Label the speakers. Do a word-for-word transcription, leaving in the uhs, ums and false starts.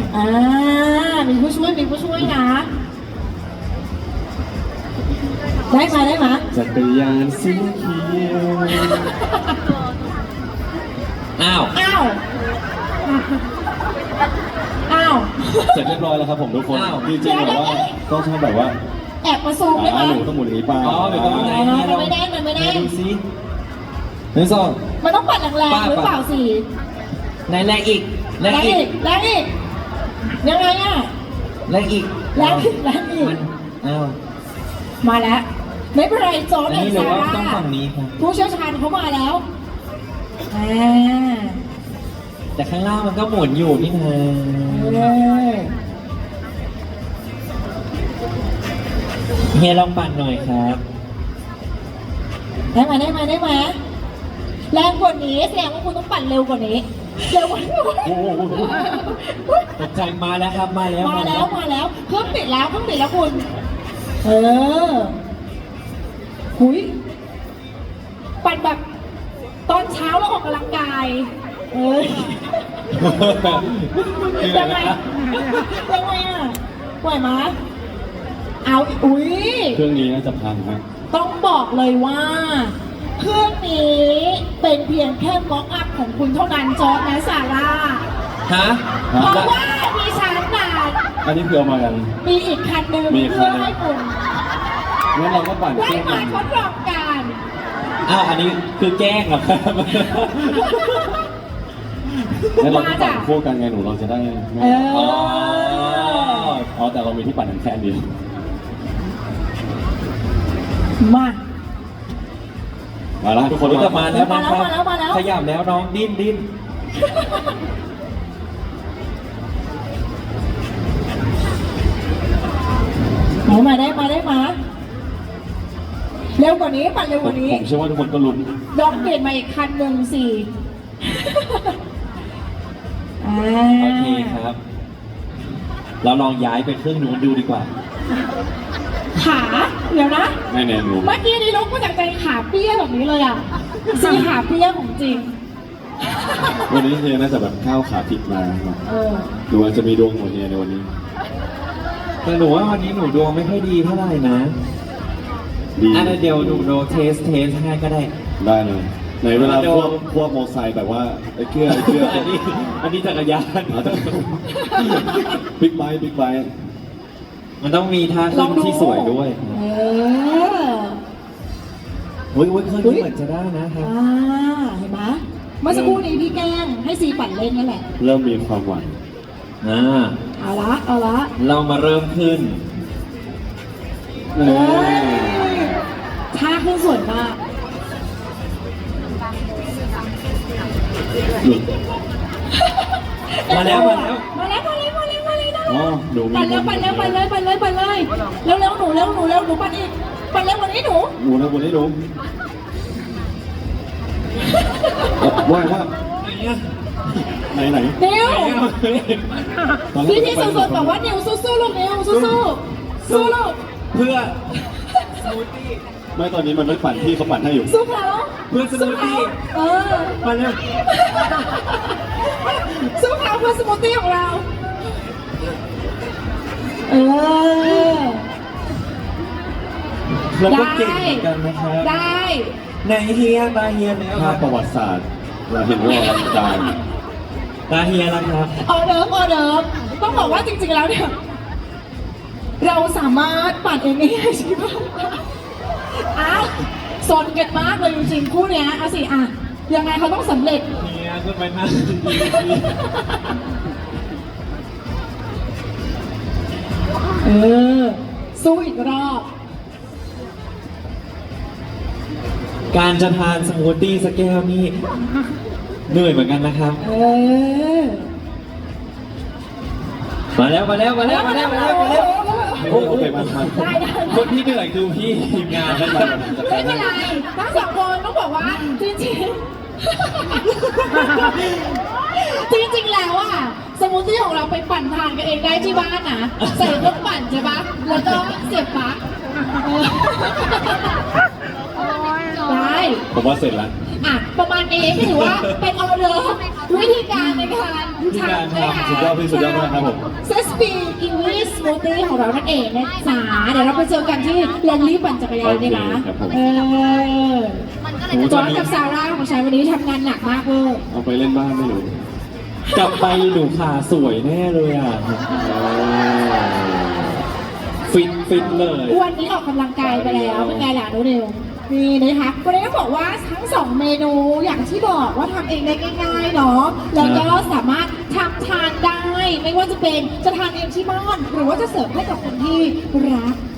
Speaker 1: อ่ามีผู้ช่วยมีผู้ช่วยนะได้มาได้มา
Speaker 2: จักรยานสีเขียว
Speaker 3: อ้าว
Speaker 1: อ้าวอ้าว
Speaker 2: เสร็จเรียบร้อยแล้วครับผมทุกคน
Speaker 3: อ้าว
Speaker 2: จริงๆแบบว่าต้องชอบแบบว่า
Speaker 1: แอบมาซูมได้ไหม
Speaker 2: อ่าหนูต้องหมุนอย่างนี้ไป
Speaker 3: อ๋อเดี๋ยวต้องไหน
Speaker 1: มันไม่แน่นมันไม่แน่น
Speaker 3: ดูซิหนึ่งสอง
Speaker 1: มันต้องปัดแรงๆหรือเปล่าสิ
Speaker 3: ไหนแรงอีกแร
Speaker 1: แรง ง
Speaker 3: อี
Speaker 1: อี
Speaker 3: ก
Speaker 1: กแรงอีกยังไงอ่ะ
Speaker 3: แรงอีก
Speaker 1: แรงอีกแรงอีก
Speaker 3: มันอ้าว
Speaker 1: มาแล้วไม่เป็นไรโจ๊ก
Speaker 3: อัน
Speaker 1: เอ
Speaker 3: นี้
Speaker 1: ง
Speaker 3: หรือ
Speaker 1: ซา
Speaker 3: ว่า
Speaker 1: ร่า
Speaker 3: ต้องฝั่งนี้ครับ
Speaker 1: ผู้เชี่ยวชาญเขามาแล้วอ่า
Speaker 3: แต่ข้างล่างมันก็หมุนอยู่นี่นะ
Speaker 1: เออ
Speaker 3: เฮียลองปั่นหน่อยครับ
Speaker 1: ได้ไหมได้ไหมได้ไหมแรงกว่านี้แสดงว่าคุณต้องปั่นเร็วกว่านี้เร็วกว่านี้
Speaker 2: โอ้โห
Speaker 3: ตกใจมาแล้วครับมาแล้ว
Speaker 1: มาแล้วมาแล้วเครื่องปิดแล้วเครื่องปิดแล้วคุณ เออหุยปั่นแบบตอนเช้าแล้วออกกำลังกาย เอ้ยยังไงยังไงอ่ะไหวไหมเอาอุ้ย
Speaker 2: เครื่องนี้น่าจะพังฮะ
Speaker 1: ต้องบอกเลยว่า เครื่องนี้เป็นเพียงแค่ม็อกอัพของคุณเท่านั้นจอร์จและซาร่า
Speaker 3: ฮะ
Speaker 1: เพราะว่ามีชั้นนาน
Speaker 2: อันนี้คือเอามากัน
Speaker 1: มีอีกคันหนึ่ง
Speaker 2: มีอีกคั
Speaker 1: เพื่
Speaker 2: น
Speaker 1: อ
Speaker 2: หนึ่ง
Speaker 1: ให้คุณ
Speaker 2: งั้นเราก็ปั่นเค
Speaker 1: ได้
Speaker 2: รื่อง
Speaker 1: มา
Speaker 2: นั้น
Speaker 1: ทดลองกัน
Speaker 3: อ้าวอันนี้คือแกล้งเหรอครับ
Speaker 2: งั้นเราก็ปั่นคู่กันไงหนูเราจะได้ไม่
Speaker 1: เอ
Speaker 3: อ๋อ
Speaker 1: อ
Speaker 2: อ๋อแต่เรามีที่ปั่นแค่อันเดียว
Speaker 1: มา
Speaker 2: มาแล้วทุกคน
Speaker 3: รู้จักมาแล้วนะครับ
Speaker 1: มาแล้วมาแล้ว
Speaker 3: ขยับแล้วน้องดิ้นดิ้น
Speaker 1: ไหนมาได้มาได้มาเร็วกว่านี้ปั่นเร็ว
Speaker 2: ผ
Speaker 1: ก
Speaker 2: ม
Speaker 1: ว่านี้
Speaker 2: ผมเชื่อว่าทุกคนก็ลุ้น
Speaker 1: ลองเปลี่ยนมาอีกคันหนึ่งสิอ่า
Speaker 3: โอเคครับ เราลองย้ายไปเครื่องนู้นดูดีกว่า
Speaker 1: ขาเดี๋ยวนะ
Speaker 2: แน่แน่หนู
Speaker 1: เมื่อกี้นี่ลุกมาจากใจขาเปี้ยแบบนี้เลยอ่ะสีขาเปี้ยของจริง
Speaker 2: วันนี้เฮียน่าจะแบบข้าวขาผิดมา
Speaker 1: เออ
Speaker 2: หนูอาจจะมีดวงของเฮียในวันนี้
Speaker 3: แต่หนูว่าวันนี้หนูดวงไม่ค่อยดีเท่าไหร่นะ
Speaker 2: ดี
Speaker 3: อันนั้นเดี๋ยวหนูโดนเทสเทสให้ก็ได้
Speaker 2: ได้เลยในเวลา
Speaker 3: เดี๋
Speaker 2: พ
Speaker 3: ยว
Speaker 2: วกพวกมอไซค์แบบว่าไอ้เกลือไอ้เกลือ
Speaker 3: อันนี้อันนี้จักรยาน
Speaker 2: อ๋อแต่บิ๊กไบค์บิ๊กไบค์
Speaker 3: มันต้องมีท่า
Speaker 1: ล
Speaker 3: ขึ้
Speaker 1: อง
Speaker 3: น
Speaker 1: ดู
Speaker 3: ที่สวยด้วย
Speaker 1: เออ
Speaker 3: เฮ้ยเฮ้ยเครื่องนี้เหมือนจะได้นะครับ
Speaker 1: อ่าเห็นไหมเมื่อสักครู่นี้พี่แกล้งให้ซีปั่นเล่นนั่นแหละ
Speaker 2: เริ่มมีความหวัง
Speaker 3: อ่า
Speaker 1: เอาละเอาละ
Speaker 3: เรามาเริ่มขึ้น
Speaker 1: เอ้ยท่าขึ้นสวยมาก
Speaker 2: หลุด
Speaker 3: มาแล้วมาแล้ว
Speaker 1: มาแล้วมาแล้วมาแล้วมาแล้ว
Speaker 2: อ๋อหนูมี
Speaker 1: ปั่นแล้วปั่นแล้วปั่นเลยปั่นเลยปั่นเลยเร็วเร็วหนูเร็วหนูเร็วหนูปั่นอีกปั่นเร็วกว่านี้หนู
Speaker 2: หนูนะวันนี้หนูว่าว่าไหนไหน
Speaker 1: นิว
Speaker 2: ตอนแรก
Speaker 1: พี่พี่สุดๆบอกว่านิวสู้ๆลูกนิวสู้ๆสู้ลูก
Speaker 3: เพื่อ
Speaker 2: ไม่ตอนนี้มันไม่ปั่นที่เขาปั่นให้อยู่
Speaker 1: สู้เขา
Speaker 3: เพื่อสมูทตี้
Speaker 1: เออ
Speaker 3: มาเร็ว
Speaker 1: สู้เขาเพื่อสมูทตี้ของเรา เออ
Speaker 3: เราก็เก่งเหมือนกันนะครับ
Speaker 1: ได้
Speaker 3: ในเฮียตาเฮียแล้วค
Speaker 2: ภา
Speaker 3: รั
Speaker 2: พ
Speaker 3: บ
Speaker 2: ประวัติศาสตร์เราเห็นว่าอลังการ
Speaker 3: ตาเฮียแล้วครับ
Speaker 1: ออเดิร์ฟออเดิร์ฟต้องบอกว่าจริงๆแล้วเนี่ย เราสามารถปั่นเองได้ใช่ไหมอ้าวสนกันมากเลยจริงๆคู่เนี้ยเอาสิอ่ะยังไงเขาต้องสำเร็จ
Speaker 3: เฮียขึ้นไปนั่ง
Speaker 1: เออ สู้อีกรอบ
Speaker 3: การจะทานสมูทตี้สักแก้วนี่เหนื่อยเหมือนกันนะครับ
Speaker 1: เออ
Speaker 3: มาแล้วมาแล้วมาแล้วมาแล้วมาแล้วมาแล้ว
Speaker 2: โอ้โหโอเคมาทัน
Speaker 1: ได้ได้
Speaker 3: คนที่เหนื่อยคือพี่ทีมงานนะครับ
Speaker 1: ไม่เป็นไรทั้งสองคนต้องบอกว่าจริงๆ จริงๆแล้วอะสมูทตี้ของเราไปปั่นทานกันเองได้ที่บ้านนะใส่เครื่องปั่นใช่ปะแล้วก็เสียบปลั๊กเออได้
Speaker 2: ผมว่าเสร็จแล้ว
Speaker 1: อ่ะประมาณนี้ก็ถือว่าเป็นออเดอร์วิธีการในการ
Speaker 3: วิธีการ
Speaker 1: ทำนะคะ
Speaker 3: ทำ
Speaker 2: สุดยอดพี่สุดยอดมากครับผม
Speaker 1: เซสปีกิวีสมูทตี้ของเรานั่นเองนะจ๊ะเดี๋ยวเราไปเจอกันที่ลงรีบปั่นจักรยานดีนะ
Speaker 2: โอเคครับผม
Speaker 1: เออ
Speaker 3: โอ้
Speaker 1: จ
Speaker 3: ต
Speaker 1: อ
Speaker 3: อน
Speaker 1: ร์จ
Speaker 3: นี้
Speaker 1: กับซาร่าของฉันวันนี้ทำงานหนักมากเวอร์
Speaker 2: เอาไปเล่นบ้านไม่รู้
Speaker 3: กลับไปหนูขาสวยแน่เลยอ่ะ ฟิตฟิตเลย
Speaker 1: วันนี้ออกกำลังกายไปแล้วเป็นไงล่ะน้องเร็วนี่นะคะวันนี้ต้องบอกว่าทั้งสองเมนูอย่างที่บอกว่าทำเองได้ง่ายๆเนาะแล้วก็สามารถทำทานได้ ไม่ว่าจะเป็นจะทานเองที่บ้านหรือว่าจะเสิร์ฟให้กับคนที่รัก